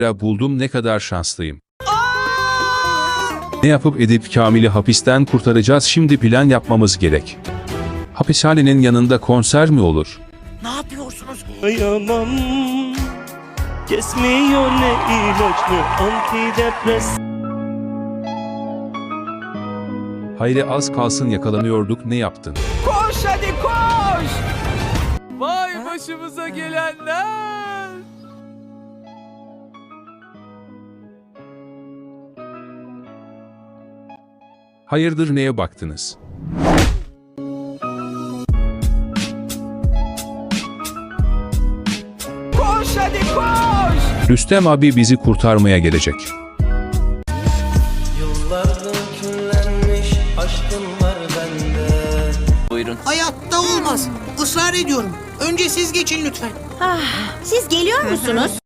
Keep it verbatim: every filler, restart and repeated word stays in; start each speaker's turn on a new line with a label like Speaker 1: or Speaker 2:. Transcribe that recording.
Speaker 1: Buldum, ne kadar şanslıyım. Ne yapıp edip Kamil'i hapisten kurtaracağız, şimdi plan yapmamız gerek. Hapishanenin yanında konser mi olur?
Speaker 2: Ne yapıyorsunuz?
Speaker 3: Dayanam, kesmiyor ne ilaç ne antidepres.
Speaker 1: Hayri, az kalsın yakalanıyorduk, ne yaptın?
Speaker 2: Koş hadi koş! Vay başımıza gelenler!
Speaker 1: Hayırdır, neye baktınız?
Speaker 2: Koş hadi koş!
Speaker 1: Rüstem abi bizi kurtarmaya gelecek.
Speaker 4: Yıllardır küllenmiş aşkım var bende.
Speaker 2: Buyurun.
Speaker 5: Hayatta olmaz. Israr ediyorum. Önce siz geçin lütfen.
Speaker 6: Ah, siz geliyor musunuz?